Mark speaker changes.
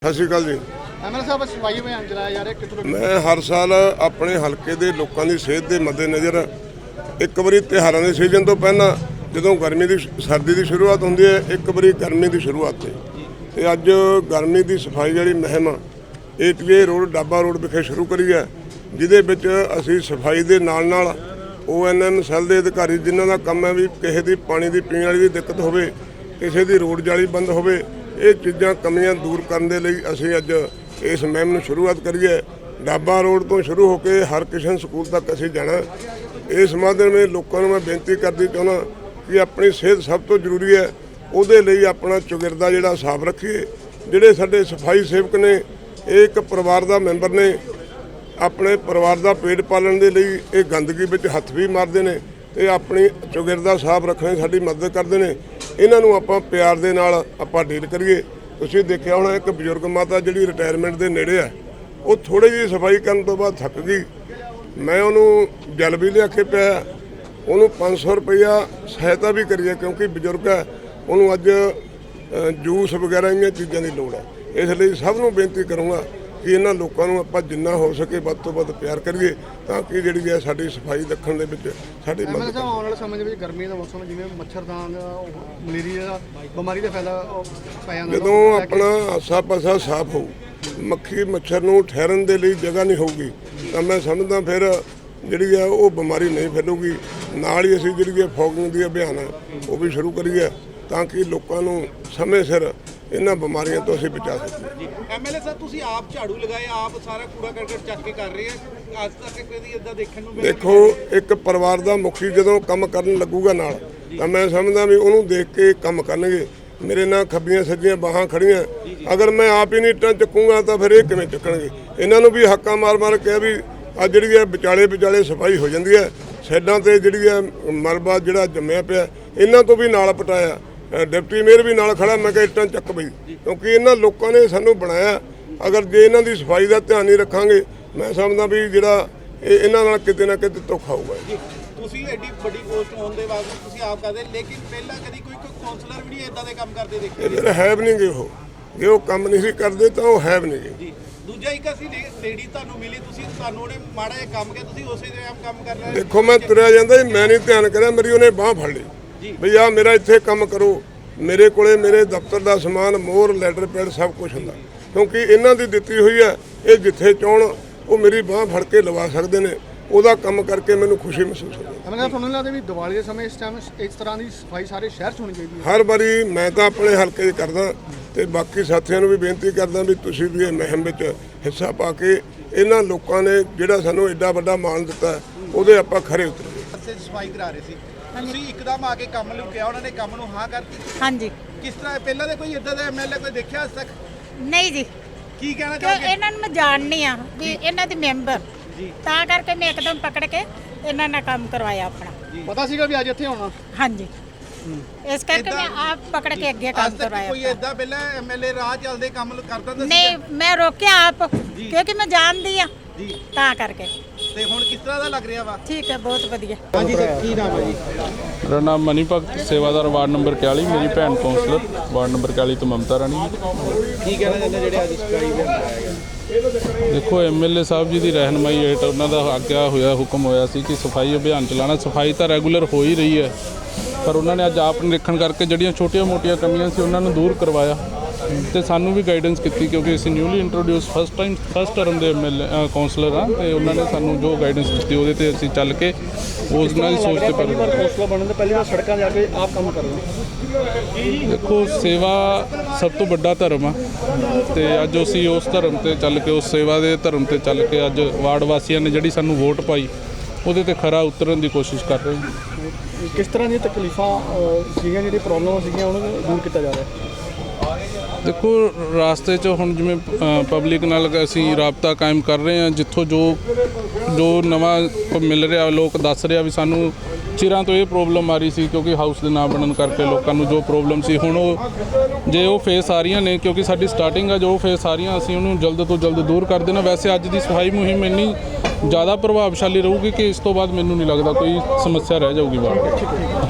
Speaker 1: ਸਤਿ ਸ਼੍ਰੀ ਅਕਾਲ ਜੀ।
Speaker 2: ਐਮਐਲਏ ਸਾਹਿਬ ਸਫਾਈ ਅਭਿਆਨ ਚਲਾਇਆ ਜਾ ਰਿਹਾ ਕਿੱਥੋਂ?
Speaker 1: ਮੈਂ ਹਰ ਸਾਲ ਆਪਣੇ ਹਲਕੇ ਦੇ ਲੋਕਾਂ ਦੀ ਸਿਹਤ ਦੇ ਮੱਦੇਨਜ਼ਰ ਇੱਕ ਵਾਰੀ ਤਿਉਹਾਰਾਂ ਦੇ ਸੀਜ਼ਨ ਤੋਂ ਪਹਿਲਾਂ ਜਦੋਂ ਸਰਦੀ ਦੀ ਸ਼ੁਰੂਆਤ ਹੁੰਦੀ ਹੈ, ਇੱਕ ਵਾਰੀ ਗਰਮੀ ਦੀ ਸ਼ੁਰੂਆਤ ਤੇ ਅੱਜ ਗਰਮੀ ਦੀ ਸਫਾਈ ਜਿਹੜੀ ਮੁਹਿੰਮ ਏਟੀਏ ਰੋਡ ਡਾਬਾ ਰੋਡ ਵਿਖੇ ਸ਼ੁਰੂ ਕਰੀ ਹੈ, ਜਿਹਦੇ ਵਿੱਚ ਅਸੀਂ ਸਫਾਈ ਦੇ ਨਾਲ ONM ਸੈੱਲ ਦੇ ਅਧਿਕਾਰੀ ਜਿਨ੍ਹਾਂ ਦਾ ਕੰਮ ਹੈ ਵੀ ਕਿਸੇ ਦੀ ਪਾਣੀ ਦੀ ਪੀਣ ਵਾਲੀ ਦੀ ਦਿੱਕਤ ਹੋਵੇ, ਕਿਸੇ ਦੀ ਰੋਡ ਜਾਲੀ ਬੰਦ ਹੋਵੇ, ਇਹ ਚੀਜ਼ਾਂ ਕਮੀਆਂ ਦੂਰ ਕਰਨ ਦੇ ਲਈ ਅਸੀਂ ਅੱਜ ਇਸ ਮੁਹਿੰਮ ਨੂੰ ਸ਼ੁਰੂਆਤ ਕਰੀਏ। ਡਾਬਾ ਰੋਡ ਤੋਂ ਸ਼ੁਰੂ ਹੋ ਕੇ ਹਰਕਿਸ਼ਨ ਸਕੂਲ ਤੱਕ ਅਸੀਂ ਜਾਣਾ। ਇਸ ਮਾਧਿਅਮ ਵਿੱਚ ਲੋਕਾਂ ਨੂੰ ਮੈਂ ਬੇਨਤੀ ਕਰਦੀ ਚਾਹੁੰਦਾ ਕਿ ਆਪਣੀ ਸਿਹਤ ਸਭ ਤੋਂ ਜ਼ਰੂਰੀ ਹੈ, ਉਹਦੇ ਲਈ ਆਪਣਾ ਚੌਗਿਰਦਾ ਜਿਹੜਾ ਸਾਫ਼ ਰੱਖੀਏ। ਜਿਹੜੇ ਸਾਡੇ ਸਫਾਈ ਸੇਵਕ ਨੇ, ਇਹ ਇੱਕ ਪਰਿਵਾਰ ਦਾ ਮੈਂਬਰ ਨੇ, ਆਪਣੇ ਪਰਿਵਾਰ ਦਾ ਪੇਟ ਪਾਲਣ ਦੇ ਲਈ ਇਹ ਗੰਦਗੀ ਵਿੱਚ ਹੱਥ ਵੀ ਮਾਰਦੇ ਨੇ ਤੇ ਆਪਣੀ ਚੌਗਿਰਦਾ ਸਾਫ਼ ਰੱਖਣ ਸਾਡੀ ਮਦਦ ਕਰਦੇ ਨੇ। ਇਹਨਾਂ ਨੂੰ ਆਪਾਂ ਪਿਆਰ ਦੇ ਨਾਲ ਆਪਾਂ ਡੀਲ ਕਰੀਏ। ਤੁਸੀਂ ਦੇਖਿਆ ਹੋਣਾ ਇੱਕ ਬਜ਼ੁਰਗ ਮਾਤਾ ਜਿਹੜੀ ਰਿਟਾਇਰਮੈਂਟ ਦੇ ਨੇੜੇ ਆ, ਉਹ ਥੋੜੀ ਜਿਹੀ ਸਫਾਈ ਕਰਨ ਤੋਂ ਬਾਅਦ ਥੱਕ ਗਈ। ਮੈਂ ਉਹਨੂੰ ਜਲ ਵੀ ਲਿਆ ਕੇ ਪਿਆ, ਉਹਨੂੰ 500 ਰੁਪਈਆ ਸਹਾਇਤਾ ਵੀ ਕਰੀਏ ਕਿਉਂਕਿ ਬਜ਼ੁਰਗ ਹੈ, ਉਹਨੂੰ ਅੱਜ ਜੂਸ ਵਗੈਰਾ ਇਹਨਾਂ ਚੀਜ਼ਾਂ ਦੀ ਲੋੜ ਹੈ। ਇਸ ਲਈ ਸਭ ਨੂੰ ਬੇਨਤੀ ਕਰੂੰਗਾ ਕਿ ਇਹਨਾਂ ਲੋਕਾਂ ਨੂੰ ਆਪਾਂ ਜਿੰਨਾ ਹੋ ਸਕੇ ਵੱਧ ਤੋਂ ਵੱਧ ਪਿਆਰ ਕਰੀਏ ਤਾਂ ਕਿ ਜਿਹੜੀ ਹੈ ਸਾਡੀ ਸਫਾਈ ਰੱਖਣ ਦੇ ਵਿੱਚ ਸਾਡੀ ਮਦਦ।
Speaker 2: ਐਮਐਲਏ ਸਾਹਿਬ ਆਉਣ ਵਾਲੇ ਸਮੇਂ ਦੇ ਵਿੱਚ ਗਰਮੀ ਦਾ ਮੌਸਮ ਜਿਵੇਂ ਮੱਛਰਦਾਨ ਮਲੇਰੀਆ ਬਿਮਾਰੀ ਦਾ ਫਾਇਦਾ ਪੈ ਜਾਂਦਾ,
Speaker 1: ਜਦੋਂ ਆਪਣਾ ਆਸਾ ਪਾਸਾ ਸਾਫ਼ ਹੋਊ, ਮੱਖੀ ਮੱਛਰ ਨੂੰ ਠਹਿਰਨ ਦੇ ਲਈ ਜਗ੍ਹਾ ਨਹੀਂ ਹੋਊਗੀ ਤਾਂ ਮੈਂ ਸਮਝਦਾ ਫਿਰ ਜਿਹੜੀ ਹੈ ਉਹ ਬਿਮਾਰੀ ਨਹੀਂ ਫੈਲੂਗੀ। ਨਾਲ ਹੀ ਅਸੀਂ ਜਿਹੜੀ ਹੈ ਫੌਗਿੰਗ ਦੀ ਅਭਿਆਨ ਹੈ ਉਹ ਵੀ ਸ਼ੁਰੂ ਕਰੀਏ ਤਾਂ ਕਿ ਲੋਕਾਂ ਨੂੰ ਸਮੇਂ ਸਿਰ ਇਹਨਾਂ ਬਿਮਾਰੀਆਂ ਤੋਂ ਅਸੀਂ ਬਚਾ ਸਕੀਏ।
Speaker 3: ਐਮਐਲਏ ਸਾਹਿਬ ਤੁਸੀਂ ਆਪ ਝਾੜੂ ਲਗਾਏ, ਆਪ ਸਾਰਾ ਕੂੜਾ ਕਰਕਟ ਚੱਕ ਕੇ ਕਰ ਰਹੇ ਆ, ਅੱਜ ਤੱਕ ਕਦੀ ਇਦਾਂ ਦੇਖਣ ਨੂੰ
Speaker 1: ਦੇਖੋ ਇੱਕ ਪਰਿਵਾਰ ਦਾ ਮੁਖੀ ਜਦੋਂ ਕੰਮ ਕਰਨ ਲੱਗੂਗਾ ਨਾਲ ਤਾਂ ਮੈਂ ਸਮਝਦਾ ਵੀ ਉਹਨੂੰ ਦੇਖ ਕੇ ਕੰਮ ਕਰਨਗੇ। ਮੇਰੇ ਨਾਲ ਖੱਬੀਆਂ ਸੱਜੀਆਂ ਬਾਹਾਂ ਖੜੀਆਂ, ਅਗਰ ਮੈਂ ਆਪ ਹੀ ਨਹੀਂ ਇੱਟਾਂ ਚੱਕੂਗਾ ਤਾਂ ਫਿਰ ਇਹ ਕਿਵੇਂ ਚੱਕਣਗੇ। ਇਹਨਾਂ ਨੂੰ ਵੀ ਹੱਕਾਂ ਮਾਰ ਕੇ ਵੀ ਅੱਜ ਜਿਹੜੀ ਹੈ ਵਿਚਾਲੇ ਸਫਾਈ ਹੋ ਜਾਂਦੀ ਹੈ। ਸਾਈਡਾਂ ਤੇ ਜਿਹੜੀ ਹੈ ਮਲਬਾ ਜਿਹੜਾ ਜੰਮਿਆ ਪਿਆ ਇਹਨਾਂ ਤੋਂ ਵੀ ਨਾਲ ਪਟਾਇਆ। ਡਿਪਟੀ ਮੇਅਰ ਵੀ ਨਾਲ ਖੜਾ, ਮੈਂ ਕਿਹਾ ਇੱਟਾਂ ਚੱਕ ਬਈ, ਕਿਉਂਕਿ ਇਹਨਾਂ ਲੋਕਾਂ ਨੇ ਸਾਨੂੰ ਬਣਾਇਆ। ਅਗਰ ਜੇ ਇਹਨਾਂ ਦੀ ਸਫਾਈ ਦਾ ਧਿਆਨ ਨਹੀਂ ਰੱਖਾਂਗੇ ਮੈਂ ਸਮਝਦਾ ਵੀ ਜਿਹੜਾ ਇਹਨਾਂ ਨਾਲ ਕਿਤੇ ਨਾ ਕਿਤੇ ਧੋਖਾ ਹੋਊਗਾ।
Speaker 3: ਤੁਸੀਂ ਐਡੀ ਵੱਡੀ ਪੋਸਟ ਹੋਣ ਦੇ ਬਾਵਜੂਦ ਤੁਸੀਂ ਆਪ ਕਰਦੇ, ਲੇਕਿਨ ਪਹਿਲਾਂ ਕਦੀ ਕੋਈ ਕਾਉਂਸਲਰ ਵੀ ਨਹੀਂ ਇਦਾਂ ਦੇ ਕੰਮ ਕਰਦੇ ਦੇਖੇ?
Speaker 1: ਇਹ ਫਿਰ ਹੈ ਵੀ ਨਹੀਂ ਗੇ, ਉਹ ਜੇ ਉਹ ਕੰਮ ਨਹੀਂ ਸੀ ਕਰਦੇ ਤਾਂ ਉਹ ਹੈ ਵੀ ਨਹੀਂ ਗੇ।
Speaker 3: ਜੀ ਦੂਜਾ ਇੱਕ ਅਸੀਂ ਲੇਡੀ ਤੁਹਾਨੂੰ ਮਿਲੀ, ਤੁਹਾਨੂੰ ਉਹਨੇ ਮਾੜਾ ਜਿਹਾ ਕੰਮ ਕਿਹਾ, ਤੁਸੀਂ ਉਸੇ ਦੇ ਕੰਮ ਕਰ ਰਹੇ?
Speaker 1: ਦੇਖੋ ਮੈਂ ਤੁਰਿਆ ਜਾਂਦਾ ਮੈਂ ਨਹੀਂ ਧਿਆਨ ਕਰਿਆ, ਮੇਰੀ ਉਹਨੇ ਬਾਂਹ ਫੜ ਲਈ ਬਈ ਆ ਮੇਰਾ ਇੱਥੇ ਕੰਮ ਕਰੋ। ਮੇਰੇ ਕੋਲੇ ਮੇਰੇ ਦਫ਼ਤਰ ਦਾ ਸਮਾਨ, ਮੋਹਰ, ਲੈਟਰ ਪੈਡ ਸਭ ਕੁਝ ਹੁੰਦਾ ਕਿਉਂਕਿ ਇਹਨਾਂ ਦੀ ਦਿੱਤੀ ਹੋਈ ਹੈ। ਇਹ ਜਿੱਥੇ ਚਾਹਣ ਉਹ ਮੇਰੀ ਬਾਂਹ ਫੜ ਕੇ ਲਵਾ ਸਕਦੇ ਨੇ, ਉਹਦਾ ਕੰਮ ਕਰਕੇ ਮੈਨੂੰ ਖੁਸ਼ੀ ਮਹਿਸੂਸ ਹੁੰਦੀ ਹੈ।
Speaker 2: ਐਮਐਲਏ ਤੁਹਾਨੂੰ ਲੱਗਦਾ ਵੀ ਦੀਵਾਲੀ ਦੇ ਸਮੇਂ ਇਸ ਟਾਈਮ ਇਸ ਤਰ੍ਹਾਂ ਦੀ ਸਫਾਈ ਸਾਰੇ ਸ਼ਹਿਰ 'ਚ ਹੋਣੀ ਚਾਹੀਦੀ ਹੈ?
Speaker 1: ਹਰ ਵਾਰੀ ਮੈਂ ਤਾਂ ਆਪਣੇ ਹਲਕੇ 'ਚ ਕਰਦਾ ਤੇ ਬਾਕੀ ਸਾਥੀਆਂ ਨੂੰ ਵੀ ਬੇਨਤੀ ਕਰਦਾ ਵੀ ਤੁਸੀਂ ਵੀ ਇਹ ਮੁਹਿੰਮ ਵਿੱਚ ਹਿੱਸਾ ਪਾ ਕੇ ਇਹਨਾਂ ਲੋਕਾਂ ਨੇ ਜਿਹੜਾ ਸਾਨੂੰ ਐਡਾ ਵੱਡਾ ਮਾਣ ਦਿੱਤਾ ਉਹਦੇ ਆਪਾਂ ਖਰੇ ਉਤਰੀਏ।
Speaker 3: ਸਫਾਈ ਕਰਾ ਰਹੇ ਸੀ, ਤੁਸੀਂ ਇੱਕਦਮ ਆ ਕੇ ਕੰਮ ਨੂੰ ਕਿਹਾ, ਉਹਨਾਂ ਨੇ ਕੰਮ ਨੂੰ ਹਾਂ ਕਰਤੀ?
Speaker 4: ਹਾਂਜੀ।
Speaker 3: ਕਿਸ ਤਰ੍ਹਾਂ ਪਹਿਲਾਂ ਦੇ ਕੋਈ ਇਦਾਂ ਦਾ ਐਮਐਲਏ ਕੋਈ ਦੇਖਿਆ ਅੱਜ ਤੱਕ?
Speaker 4: ਨਹੀਂ ਜੀ,
Speaker 3: ਕੀ ਕਹਿਣਾ
Speaker 4: ਕਿਉਂ
Speaker 3: ਚਾਹੋਗੇ?
Speaker 4: ਇਹਨਾਂ ਨੂੰ ਮੈਂ ਜਾਣਨੀ ਆ ਵੀ ਇਹਨਾਂ ਦੀ ਮੈਂਬਰ, ਤਾਂ ਕਰਕੇ ਮੈਂ ਇੱਕਦਮ ਪਕੜ ਕੇ ਇਹਨਾਂ ਨਾਲ ਕੰਮ ਕਰਵਾਇਆ ਆਪਣਾ।
Speaker 2: ਪਤਾ ਸੀਗਾ ਵੀ ਅੱਜ ਇੱਥੇ ਆਉਣਾ?
Speaker 4: ਹਾਂਜੀ, ਇਸ ਕਰਕੇ ਮੈਂ ਆਪ ਪਕੜ ਕੇ ਅੱਗੇ ਕੰਮ
Speaker 3: ਅੱਜ ਤੱਕ
Speaker 4: ਕਰਵਾਇਆ
Speaker 3: ਕੋਈ
Speaker 4: ਆਪਣਾ।
Speaker 3: ਇਦਾਂ ਪਹਿਲਾਂ ਐਮਐਲਏ ਰਾਹ ਚੱਲਦੇ ਕੰਮ ਕਰਦਾ ਤਾਂ
Speaker 4: ਨਹੀਂ, ਮੈਂ ਰੋਕਿਆ ਆਪ ਕਿਉਂਕਿ ਮੈਂ ਜਾਣਦੀ ਆ
Speaker 3: ਜੀ,
Speaker 4: ਤਾਂ ਕਰਕੇ।
Speaker 3: ਤੇ ਹੁਣ ਕਿਸ ਤਰ੍ਹਾਂ ਦਾ ਲੱਗ ਰਿਹਾ ਵਾ?
Speaker 4: ਠੀਕ ਹੈ, ਬਹੁਤ ਵਧੀਆ।
Speaker 3: ਹਾਂਜੀ ਸਰ, ਕੀ ਨਾਮ ਹੈ ਜੀ?
Speaker 5: ਮੇਰਾ ਨਾਮ ਮਨੀ ਭਗਤ, ਸੇਵਾਦਾਰ ਵਾਰਡ ਨੰਬਰ 41। ਮੇਰੀ ਭੈਣ ਕੌਂਸਲਰ ਵਾਰਡ ਨੰਬਰ 41 ਤੋਂ ਮਮਤਾ ਰਾਣੀ।
Speaker 3: ਕੀ ਕਹਿਣਾ ਚਾਹੁੰਦੇ ਜਿਹੜੇ ਅੱਜ ਸਫਾਈ ਅਭਿਆਨ ਚਲਾਇਆ ਗਿਆ?
Speaker 5: ਦੇਖੋ ਐਮਐਲਏ ਸਾਹਿਬ ਜੀ ਦੀ ਰਹਿਨਮਾਈ ਹੇਠ ਉਹਨਾਂ ਦਾ ਆਗਿਆ ਹੋਇਆ ਹੁਕਮ ਹੋਇਆ ਸੀ ਕਿ ਸਫਾਈ ਅਭਿਆਨ ਚਲਾਉਣਾ। ਸਫਾਈ ਤਾਂ ਰੈਗੂਲਰ ਹੋ ਹੀ ਰਹੀ ਹੈ, ਪਰ ਉਹਨਾਂ ਨੇ ਅੱਜ ਆਪ ਨਿਰੀਖਣ ਕਰਕੇ ਜਿਹੜੀਆਂ ਛੋਟੀਆਂ-ਮੋਟੀਆਂ ਕਮੀਆਂ ਸੀ ਉਹਨਾਂ ਨੂੰ ਦੂਰ ਕਰਵਾਇਆ ਤੇ ਸਾਨੂੰ ਵੀ ਗਾਈਡੈਂਸ ਕੀਤੀ ਕਿਉਂਕਿ ਅਸੀਂ ਨਿਊਲੀ ਇੰਟਰੋਡਿਊਸ ਫਸਟ ਟਰਮ ਦੇ ਐਮਐਲਏ ਕੌਂਸਲਰ ਹਾਂ ਤੇ ਉਹਨਾਂ ਨੇ ਸਾਨੂੰ ਜੋ ਗਾਈਡੈਂਸ ਦਿੱਤੀ ਉਹਦੇ ਤੇ ਅਸੀਂ ਚੱਲ ਕੇ ਉਸ ਨਾਲ ਸੋਚ ਤੇ
Speaker 2: ਪਹਿਲੀ ਵਾਰ ਕੌਂਸਲਰ ਬਣਨ ਤੋਂ ਪਹਿਲੀ ਵਾਰ ਸੜਕਾਂ ਜਾ ਕੇ ਆਪ ਕੰਮ ਕਰਨਾ।
Speaker 5: ਦੇਖੋ ਸੇਵਾ ਸਭ ਤੋਂ ਵੱਡਾ ਧਰਮ ਆ ਤੇ ਅੱਜ ਅਸੀਂ ਉਸ ਧਰਮ ਤੇ ਚੱਲ ਕੇ, ਉਸ ਸੇਵਾ ਦੇ ਧਰਮ ਤੇ ਚੱਲ ਕੇ ਅੱਜ ਵਾਰਡ ਵਾਸੀਆਂ ਨੇ ਜਿਹੜੀ ਸਾਨੂੰ ਵੋਟ ਪਾਈ ਉਹਦੇ ਤੇ ਖਰਾ ਉਤਰਨ ਦੀ ਕੋਸ਼ਿਸ਼ ਕਰ ਰਹੇ ਹਾਂ।
Speaker 2: ਕਿਸ ਤਰ੍ਹਾਂ ਦੀਆਂ ਤਕਲੀਫਾਂ ਸੀਗੀਆਂ, ਜਿਹੜੀਆਂ ਪ੍ਰੋਬਲਮਾਂ ਸੀਗੀਆਂ ਉਹਨਾਂ ਨੂੰ ਦੂਰ ਕੀਤਾ ਜਾ ਰਿਹਾ?
Speaker 5: ਦੇਖੋ ਰਾਸਤੇ 'ਚ ਹੁਣ ਜਿਵੇਂ ਪਬਲਿਕ ਨਾਲ ਅਸੀਂ ਰਾਬਤਾ ਕਾਇਮ ਕਰ ਰਹੇ ਹਾਂ, ਜਿੱਥੋਂ ਜੋ ਨਵਾਂ ਮਿਲ ਰਿਹਾ, ਲੋਕ ਦੱਸ ਰਿਹਾ ਵੀ ਸਾਨੂੰ ਚਿਰਾਂ ਤੋਂ ਇਹ ਪ੍ਰੋਬਲਮ ਆ ਰਹੀ ਸੀ ਕਿਉਂਕਿ ਹਾਊਸ ਦੇ ਨਾ ਬਣਨ ਕਰਕੇ ਲੋਕਾਂ ਨੂੰ ਜੋ ਪ੍ਰੋਬਲਮ ਸੀ, ਹੁਣ ਉਹ ਫੇਸ ਆ ਰਹੀਆਂ ਨੇ ਕਿਉਂਕਿ ਸਾਡੀ ਸਟਾਰਟਿੰਗ ਆ, ਜੋ ਫੇਸ ਆ ਰਹੀਆਂ ਅਸੀਂ ਉਹਨੂੰ ਜਲਦ ਤੋਂ ਜਲਦ ਦੂਰ ਕਰ ਦੇਣਾ। ਵੈਸੇ ਅੱਜ ਦੀ ਸਫਾਈ ਮੁਹਿੰਮ ਇੰਨੀ ਜ਼ਿਆਦਾ ਪ੍ਰਭਾਵਸ਼ਾਲੀ ਰਹੂਗੀ ਕਿ ਇਸ ਤੋਂ ਬਾਅਦ ਮੈਨੂੰ ਨਹੀਂ ਲੱਗਦਾ ਕੋਈ ਸਮੱਸਿਆ ਰਹਿ ਜਾਊਗੀ ਵਾਰਡ।